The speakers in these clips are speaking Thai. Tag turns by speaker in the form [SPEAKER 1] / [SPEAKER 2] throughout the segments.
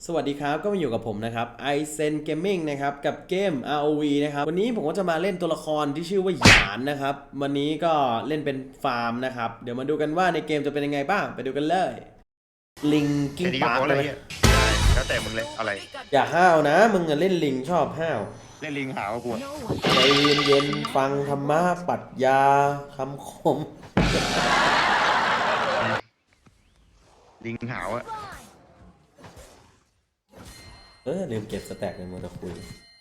[SPEAKER 1] สวัสดีครับก็มาอยู่กับผมนะครับ iZen Gaming นะครับกับเกม ROV นะครับวันนี้ผมก็จะมาเล่นตัวละครที่ชื่อว่าหยานนะครับวันนี้ก็เล่นเป็นฟาร์มนะครับเดี๋ยวมาดูกันว่าในเกมจะเป็นยังไงบ้างไปดูกันเลยลิงกิ้ง
[SPEAKER 2] แค่นี้ก็
[SPEAKER 1] ปาร์
[SPEAKER 2] พ
[SPEAKER 1] ค
[SPEAKER 2] อ
[SPEAKER 1] เล
[SPEAKER 2] แล้ว
[SPEAKER 1] ย
[SPEAKER 2] เฮียได้แล้วแต่มึงเลยอะไร
[SPEAKER 1] อย่าห้าวนะมึงอะเล่นลิงชอบห้าว
[SPEAKER 2] เล่นลิงหาวะกูอะ
[SPEAKER 1] ใจเย็นๆฟังธรรมะปรัชญาคำคม
[SPEAKER 2] ลิงหาวอะ
[SPEAKER 1] ลืมเก็บสแต็กในมือตะคุย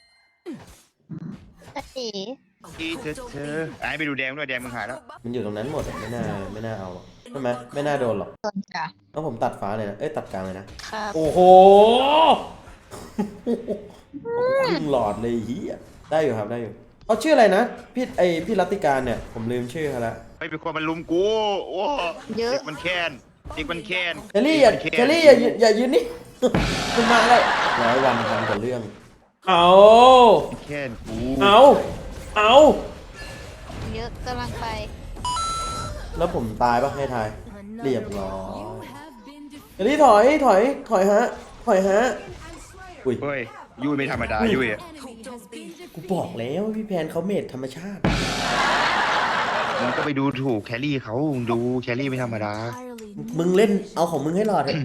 [SPEAKER 2] อีเธอไอ้ไปดูแดงด้วยแดงมึงหายแล้ว
[SPEAKER 1] มันอยู่ตรงนั้นหมดอะไม่น่าเอาหรอกใช่ไหมไม่น่าโดนหรอก
[SPEAKER 3] โดนจ้ะ
[SPEAKER 1] ต้องผมตัดฟ้าเลยนะตัดกลางเลยนะ
[SPEAKER 3] ครับ
[SPEAKER 1] โอ้โหครึ่งหลอดเลยเฮียได้อยู่ครับได้อยู่เขาชื่ออะไรนะพี่รัตติการเนี่ยผมลืมชื่อเขาละ
[SPEAKER 2] ไม่เป็นคนมันลุมกูโอ้
[SPEAKER 3] เยอะ
[SPEAKER 2] เด็กมันแค้นเด็กมันแค้น
[SPEAKER 1] เชลลี่อย่ายืนนี่ คุณมาเลย100 วันทำแต่เรื่อง เอา
[SPEAKER 2] แค้นกู
[SPEAKER 1] เอา
[SPEAKER 3] เยอะกำลังไป
[SPEAKER 1] แล้วผมตายปะให้ทายเรียบร้อยเชลลี่ถอยฮะอุ้ย
[SPEAKER 2] เฮ้ยยุ้ยไม่ธรรมดายุ้ยอะ
[SPEAKER 1] กูบอกแล้วพี่แพนเขาเมดธรรมชาติ
[SPEAKER 2] มึงก็ไปดูถูกแครี่เขามึงดูแครี่ไม่ธรรมดา
[SPEAKER 1] มึงเล่นเอาของมึงให้รอดเถอะ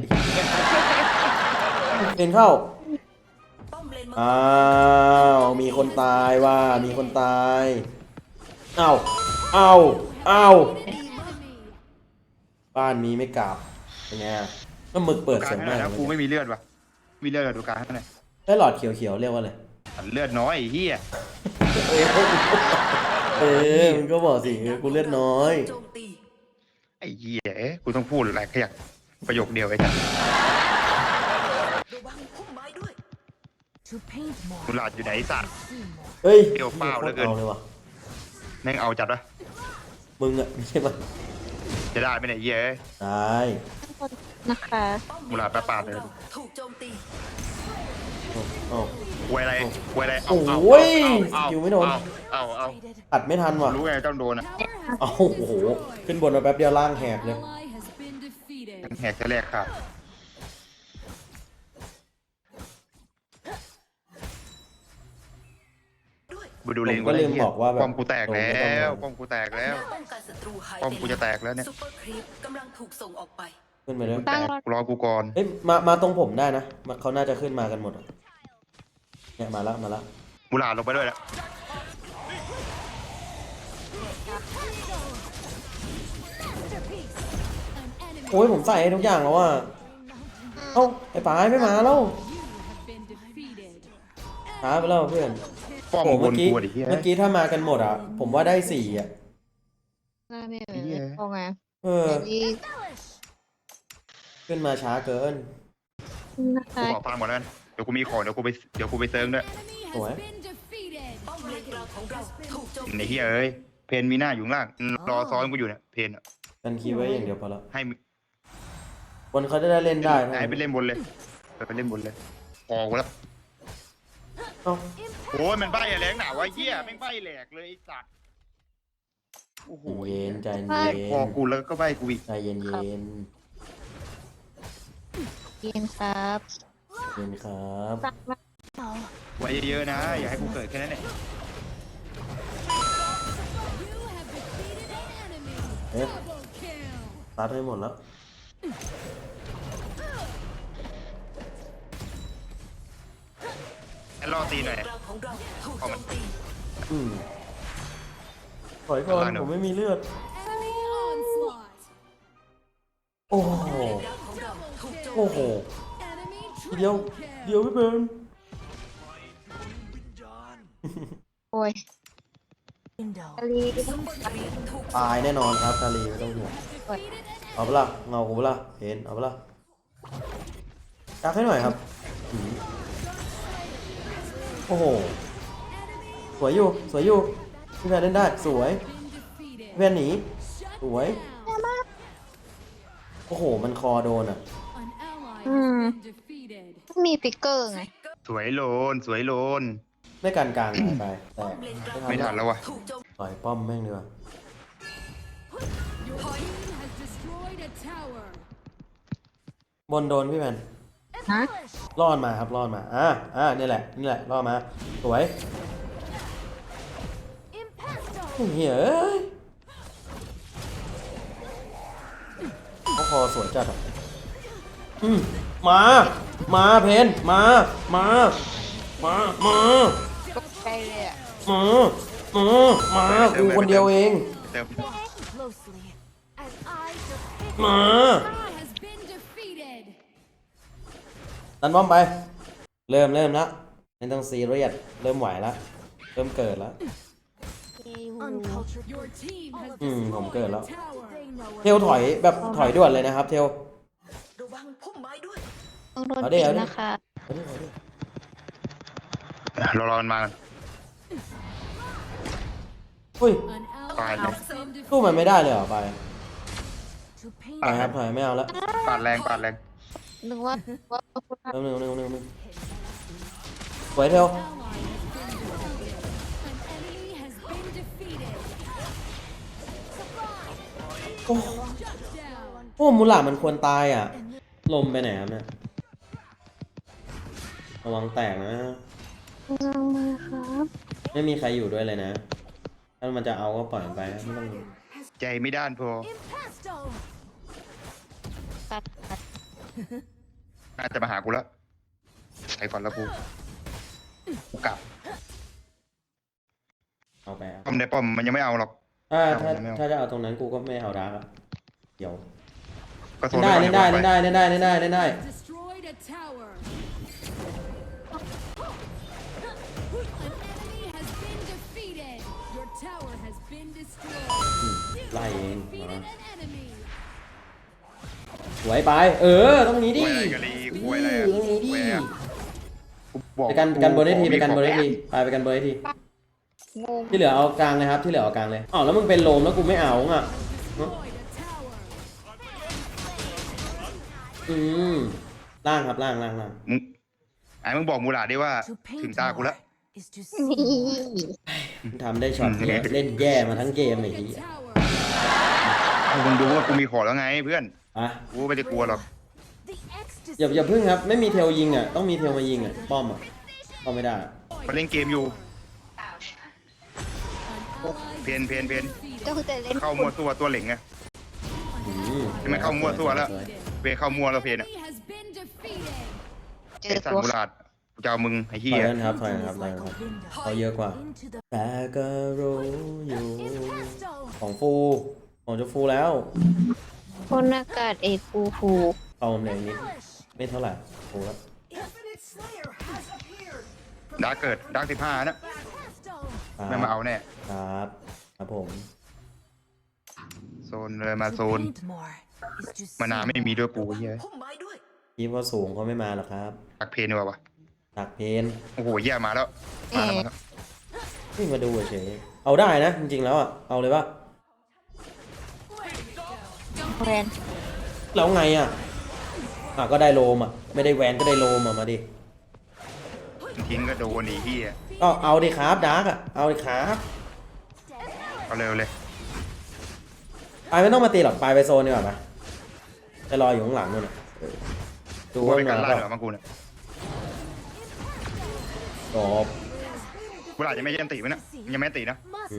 [SPEAKER 1] เป็นเข้าอ้าวมีคนตายว่ามีคนตายเอาบ้านนี้ไม่กลับเป็นไงก็หมึกเปิด
[SPEAKER 2] กา
[SPEAKER 1] เสี
[SPEAKER 2] ร
[SPEAKER 1] ยง
[SPEAKER 2] ให้ห
[SPEAKER 1] มา
[SPEAKER 2] น่อก ยนะกูไม่มีเลือดวะมีเลือดเหรอดูการให้หน่อย
[SPEAKER 1] ได้หลอดเขียวๆเรียกว่าอะไร
[SPEAKER 2] เลือดน้อยไอ้เฮีย
[SPEAKER 1] มึงก็บอกสิกูเลือดน้อย
[SPEAKER 2] ไอ้เฮียกูต้องพูดอะไรขยักประโยคเดียวไอ้ท่านกูหลาดอยู่ไหนไอ้สัตว์
[SPEAKER 1] เฮ้ย
[SPEAKER 2] เปรี้ยวเปล่าเหลือเกิน
[SPEAKER 1] เอาเลยวะ
[SPEAKER 2] แม่งเอาจัดวะ
[SPEAKER 1] มึงอะไม่ใช่มัน
[SPEAKER 2] จะได้ไหมเนี่ยเฮีย
[SPEAKER 1] ได้
[SPEAKER 3] นะคะ
[SPEAKER 2] กูหลาดปาดเลย
[SPEAKER 4] ถูกโจมตี
[SPEAKER 1] เอา
[SPEAKER 2] ควยอะไรควยอะไร
[SPEAKER 1] โอ้ย
[SPEAKER 2] เอา
[SPEAKER 1] สกิลไม่โดน
[SPEAKER 2] เอา
[SPEAKER 1] ตัดไม่ทันว่ะ
[SPEAKER 2] รู้ไงต้องโดนอ่ะ
[SPEAKER 1] โอ้โหขึ้นบนมาแป๊บเดียวล่างแหกเลย
[SPEAKER 2] แหกจะแรกครับไปดูเลน
[SPEAKER 1] ผมก็ลืมบอกว่าแบบ
[SPEAKER 2] ป้อมกูแตกแล้วป้อมกูแตกแล้ว
[SPEAKER 4] ป้องกันศัตรูหาย
[SPEAKER 2] ป้อมกูจะแตกแล้วเนี่ย
[SPEAKER 4] ซุปเปอร์ครีปกำลังถูกส่งออกไป
[SPEAKER 1] ขึ้นไปเลย
[SPEAKER 2] แตกรอกูก่อน
[SPEAKER 1] เอ้ยมาตรงผมได้นะเขาน่าจะขึ้นมากันหมดอะเนี่ยมาแล้ว
[SPEAKER 2] กูหลาดลงไปด้วยแล้ว
[SPEAKER 1] โอ้ยผมใส่ให้ทุกอย่างแล้วอ่ะเอ้าไอ้ป๋ายไม่มาแล้วช้าไปแล้วเพื่อน
[SPEAKER 2] ป้อม
[SPEAKER 1] โอ้
[SPEAKER 2] บ
[SPEAKER 1] เมื่
[SPEAKER 2] น
[SPEAKER 1] อกี้
[SPEAKER 2] กูดิเฮีย
[SPEAKER 1] เมื่อกี้ถ้ามากันหมดอ่ะผมว่าได้4อ่ะ
[SPEAKER 3] น่าไม่เหมือนพอไง
[SPEAKER 1] เออ
[SPEAKER 3] แต่นี่
[SPEAKER 1] ขึ้นมาช้าเกิน
[SPEAKER 3] นะคะ
[SPEAKER 2] กูขอฟังหมดแล้วเดี๋ยวกูมีของเดี๋ยวกูไปเซิร์งด้วย
[SPEAKER 1] สวย
[SPEAKER 4] ป้อมเลนกลางของเราถูกโจม
[SPEAKER 2] ในเฮียเอ้ยเพนมีหน้าอยู่ข้างล่างรอซ้อนกูอยู่เนี่ยเพนอะ
[SPEAKER 1] กันคีย์ไว้อย่างเดียวพอแล้ว
[SPEAKER 2] ให้
[SPEAKER 1] บนเขาจะได้เล่นได้นะ
[SPEAKER 2] ไหนไปเล่นบนเลยไปเล่นบนเลยออกแล้ว
[SPEAKER 1] เอ้า
[SPEAKER 2] โอ้ยมันใบ้อะไรหนาวะเฮียแม่งใบ้แหลกเลยไอ้สัตว์โอ้โห
[SPEAKER 1] เย็นใจเย็
[SPEAKER 2] พอน กูแล้วก็ใบ้กูอีก
[SPEAKER 1] ใจเย็น
[SPEAKER 3] กินครับ
[SPEAKER 1] เย็นครับ
[SPEAKER 3] สักมา
[SPEAKER 2] ไว้เยอะๆนะอย่าให้กูเกิดแค่นั้นแหละ
[SPEAKER 1] เอ๊ะตัดให้หมดแล้ว
[SPEAKER 2] แค่รอตีหน่อย
[SPEAKER 4] กลางของเราถูกโจมตี
[SPEAKER 1] ถอยก่อนผมไม่มีเลือด โอ้โห
[SPEAKER 4] กลางของเราถูกโจม
[SPEAKER 1] โอ้โหเดียวพี่เบิร์น
[SPEAKER 3] โอ้ยกะลี
[SPEAKER 4] ซุปเปอร์ครีปถูก
[SPEAKER 1] ตายแน่นอนครับคารีไม่ต้องห่วงเอาเปะล่าเงากูเปะล่าเห็นเอาเปะล่าจักให้หน่อยครับโอ้โหสวยอยู่พี่แพนเล่นได้สวยพี่แพนหนีสวยโอ้โหมันคอโดนอ่ะ
[SPEAKER 3] มีฟิกเกอร์ไง
[SPEAKER 2] สวยโลน
[SPEAKER 1] ไม่การกลางหายไปแต่
[SPEAKER 4] ป้อมเลนกลาง
[SPEAKER 2] ไม่ทันแล้ววะ
[SPEAKER 4] ถูกโจม
[SPEAKER 1] ต่อยป้อมแม่งดีกว่าบนโดนพี่แพน
[SPEAKER 3] ฮะ
[SPEAKER 1] รอดมาครับรอดมานี่แหละรอดมาสวยเฮ้ยเอ้ยเขาคอสวยจัดอ่ะมาเพนมา
[SPEAKER 3] ตกใจเลยอ่ะ
[SPEAKER 1] มากูคนเดียวเอง
[SPEAKER 2] เติม
[SPEAKER 1] มา
[SPEAKER 4] has been defeated
[SPEAKER 1] ดันบอมไป เริ่มแล้วไม่ต้องซีเรียสเริ่มไหวแล้วเริ่มเกิดแล้ว
[SPEAKER 4] your team has
[SPEAKER 1] ผมเกิดแล้ว
[SPEAKER 4] tower
[SPEAKER 1] เทลถอยแบบถอยด่วนเลยนะครับเทล
[SPEAKER 4] ระวังพุ่มไม้ด้วย
[SPEAKER 3] ต้องโดน
[SPEAKER 1] เอาดิ
[SPEAKER 3] ปิด
[SPEAKER 1] เอาดิ
[SPEAKER 3] นะคะ
[SPEAKER 2] รอมันมา
[SPEAKER 1] อุ้ย
[SPEAKER 4] an
[SPEAKER 2] Fine.
[SPEAKER 4] ally has been defeated
[SPEAKER 1] สู้มันไม่ได้เลยเหรอไปไปครับถอยไม่เอาแล้ว
[SPEAKER 2] ปาดแรง
[SPEAKER 3] นึกว่าคุณท
[SPEAKER 1] นึงสวยเทล
[SPEAKER 4] ally has been defeated an enemy has been defeated
[SPEAKER 1] โอ้
[SPEAKER 4] shut down
[SPEAKER 1] โอ้มูหลามันควรตายอ่ะ ลมไปไหนครับเนี่ยระวังแตกนะ
[SPEAKER 3] ำงามมากครับ
[SPEAKER 1] ไม่มีใครอยู่ด้วยเลยนะ ถ้ามันจะเอาก็ปล่อยมันไปไม่ต้อง
[SPEAKER 2] ใจไม่ด้านพอ
[SPEAKER 3] ตัด
[SPEAKER 2] น่าจะมาหากูแล้วไปก่อนแล้วกูกลับ
[SPEAKER 1] เอาไปเอา
[SPEAKER 2] ป้อมในป้อมมันยังไม่เอาหรอก
[SPEAKER 1] ถ้าจะเอาตรงนั้นกูก็ไม่เอาดาร์กอะเดี๋ยว
[SPEAKER 2] ก็โซ
[SPEAKER 1] เล่
[SPEAKER 2] น
[SPEAKER 1] นได้
[SPEAKER 2] ปก่อ
[SPEAKER 1] เล่นได้เล่นได้เล่นได้เล่นได้
[SPEAKER 4] destroyed a tower an enemy has been defeated your tower has been destroyed
[SPEAKER 1] ไล่เอง
[SPEAKER 4] defeated an enemy
[SPEAKER 1] สวยไป ต้องนี้ดิ
[SPEAKER 2] คุยอะไรกันลีคุยอะไร
[SPEAKER 1] ต้องนี้ดิ
[SPEAKER 2] คุยอะไรกูบอก
[SPEAKER 1] ไปกันบนได้ที
[SPEAKER 2] กู
[SPEAKER 1] ไปกันบนได้
[SPEAKER 2] ขอ
[SPEAKER 1] ทีไปกันบนได้ที
[SPEAKER 3] งง
[SPEAKER 1] ที่เหลือเอากลางเลยครับที่เหลือเอากลางเลยอ๋อแล้วมึงเป็นโลมแล้วกูไม่เอาอ่ะ
[SPEAKER 4] destroyed a tower
[SPEAKER 1] ล่างครับล่าง
[SPEAKER 2] มึงมึงบอกมูหลาดดิว่า ถึงตากูแล้ว
[SPEAKER 3] นี่
[SPEAKER 1] ทำได้ช็อตเนี้ยเล่นแย่มาทั้งเกมไอ้
[SPEAKER 4] a
[SPEAKER 1] เหี้ย
[SPEAKER 4] tower
[SPEAKER 2] มึงดูว่ากูมีขอแล้วไงเพื่อน
[SPEAKER 1] อ่ะ
[SPEAKER 2] กูไม่ได้กลัวหรอก
[SPEAKER 1] อย่าพึ่งครับไม่มีเทลยิงอ่ะต้องมีเทลมายิงอ่ะป้อมอ่ะป้อมไม่ได้
[SPEAKER 2] มันเล่นเกมอยู่
[SPEAKER 4] an ally
[SPEAKER 2] เพน
[SPEAKER 3] ก็คือจะเล่น
[SPEAKER 2] เข้ามัวตัวตัวเหล่งไง
[SPEAKER 1] อืม
[SPEAKER 2] ให้มันเข้ามั่วตัวแล้ว เวเข้ามัวแล้วเพนอ่ะ
[SPEAKER 4] enemy has been defeated
[SPEAKER 3] เจ
[SPEAKER 2] ไอ
[SPEAKER 3] อ
[SPEAKER 2] สัต
[SPEAKER 3] ตัว
[SPEAKER 2] ว์มูหลาดกูจะเอามึงไอ้
[SPEAKER 1] ถ
[SPEAKER 2] เหี้
[SPEAKER 1] อย
[SPEAKER 2] ย
[SPEAKER 1] กันครับถอยกันครับเขาเยอะกว่า แต่ก็รู้อยู่ของฟูของจะฟูแล้ว
[SPEAKER 3] คนอากาศเอกฟูฟู
[SPEAKER 1] เอาผมเหลยนิดไม่เท่าไหร่ฟูแล้ว
[SPEAKER 2] ดาร์กเกิดดาร์ก15นะไม่มาเอาแน่
[SPEAKER 1] ครับครับผม
[SPEAKER 2] โซนเลยมาโซนมานาไม่มีด้วยกูไอ้เหี้ย
[SPEAKER 4] พุ่มไม้ด้วย
[SPEAKER 1] คิดว่าสูงเขาไม่มาหรอกครับ
[SPEAKER 2] ตักเพนดีกว่าวะ
[SPEAKER 1] ตักเพน
[SPEAKER 2] โอ้โหเหี้ยมาแล้วมาแล้ว
[SPEAKER 1] นี่มาดูเฉยเอาได้นะจริงๆแล้วอ่ะเอาเลยปะ
[SPEAKER 3] แวน
[SPEAKER 1] แล้วไงอ่ะก็ได้โลมอ่ะไม่ได้แวนก็ได้โลมอ่ะมาดิ
[SPEAKER 2] ทิ้งก็โดนไอ้เหี้ย
[SPEAKER 1] ก็เอาดิครับดาร์กอ่ะเอาดิครับ
[SPEAKER 2] เอาเร็วเลย
[SPEAKER 1] ไปไม่ต้องมาตีหรอกไปโซนดีกว่าปะจะรออยู่ข้างหลังนู่นน่ะดู
[SPEAKER 2] กู
[SPEAKER 1] ว่า
[SPEAKER 2] ไป
[SPEAKER 1] มัน
[SPEAKER 2] กัน
[SPEAKER 1] มา
[SPEAKER 2] ล่า
[SPEAKER 1] เป
[SPEAKER 2] เหรอ
[SPEAKER 1] ล่า
[SPEAKER 2] มังกูเนี่ย
[SPEAKER 1] จบ
[SPEAKER 2] เวลายังไม่ยันตีมั้ยนะยังไม่ตีนะ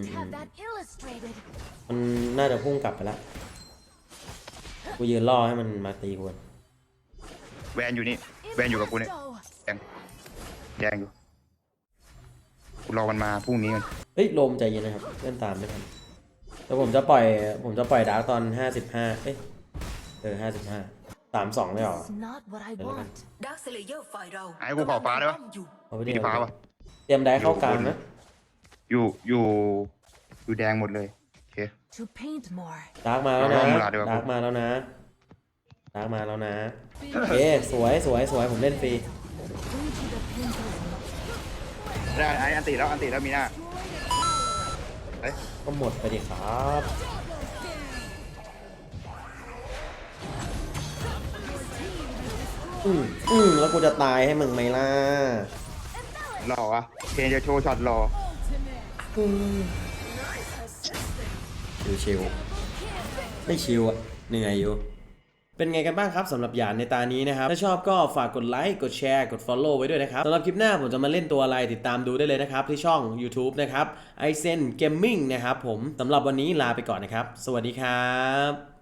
[SPEAKER 1] มันน่าจะพุ่งกลับไปแล้วกูยืนรอให้มันมาตีกูก่อน
[SPEAKER 2] แวนอยู่นี่แวนอยู่กับกูเนี่ยแดงอยู่กูรอมันมาพรุ่งนี้กัน
[SPEAKER 1] เฮ้ยโลมใจเย็นนะครับเล่นตามไม่ทันแล้วผมจะปล่อยดาร์กตอน5555 32ได้หรอ
[SPEAKER 4] ดักเซเลเยอร์ฝ่ายเรา
[SPEAKER 2] ไอ้กูขอฟ้าได้ปะ
[SPEAKER 4] อยู่
[SPEAKER 1] เอาไป
[SPEAKER 2] มี
[SPEAKER 1] ดิ
[SPEAKER 2] ฟ้าปะ
[SPEAKER 1] เตรียมได้เข้ากลางนะ
[SPEAKER 2] อยู่แดงหมดเลยโอเค
[SPEAKER 1] ดาร์กมาแล้วนะ
[SPEAKER 2] เอาเวลาดีกว่า
[SPEAKER 1] ดาร์กมาแล้วนะโอเคสวยผมเล่นฟรี
[SPEAKER 2] ได้ไอ้อันตีแล้วมีหน้าเฮ้ย
[SPEAKER 1] ก็หมดไปดิครับแล้วกูจะตายให้มึงไหมล่ะ
[SPEAKER 2] หล่อวะเพนจะโชว์ช็อตหล่อ
[SPEAKER 1] ชิวๆไม่ชิวอ่ะเหนื่อยอยู่เป็นไงกันบ้างครับสำหรับหยานในตานี้นะครับถ้าชอบก็ฝากกดไลค์กดแชร์กด follow ไว้ด้วยนะครับสำหรับคลิปหน้าผมจะมาเล่นตัวอะไรติดตามดูได้เลยนะครับที่ช่อง YouTube นะครับ iSen Gaming นะครับผมสำหรับวันนี้ลาไปก่อนนะครับสวัสดีครับ